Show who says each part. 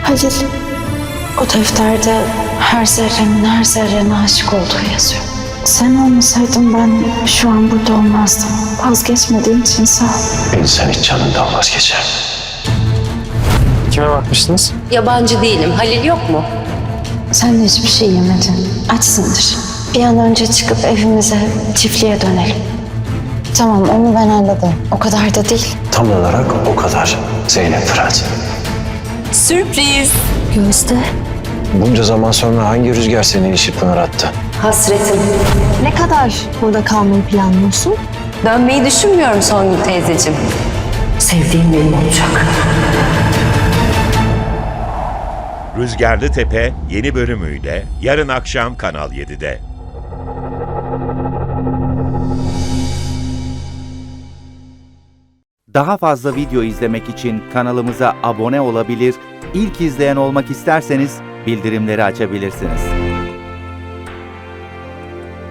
Speaker 1: Halil, o defterde her zerremin her zerrene aşık olduğu yazıyor. Sen olmasaydın ben şu an burada olmazdım. Vazgeçmediğin için sağ ol.
Speaker 2: İnsan hiç canından vazgeçer. Kime bakmıştınız?
Speaker 3: Yabancı değilim. Halil yok mu?
Speaker 1: Sen de hiçbir şey yemedin. Açsındır. Bir an önce çıkıp evimize, çiftliğe dönelim. Tamam, onu ben anladım. O kadar da değil.
Speaker 2: Tam olarak o kadar. Zeynep Fırat.
Speaker 3: Sürpriz.
Speaker 1: Gözde.
Speaker 2: Bunca zaman sonra hangi rüzgar seni işi pınar attı?
Speaker 3: Hasretim.
Speaker 1: Ne kadar burada kalmayı planlıyorsun?
Speaker 3: Dönmeyi düşünmüyorum Songül teyzeciğim. Sevdiğim benim olacak.
Speaker 4: Rüzgarlı Tepe yeni bölümüyle yarın akşam Kanal 7'de.
Speaker 5: Daha fazla video izlemek için kanalımıza abone olabilir, ilk izleyen olmak isterseniz bildirimleri açabilirsiniz.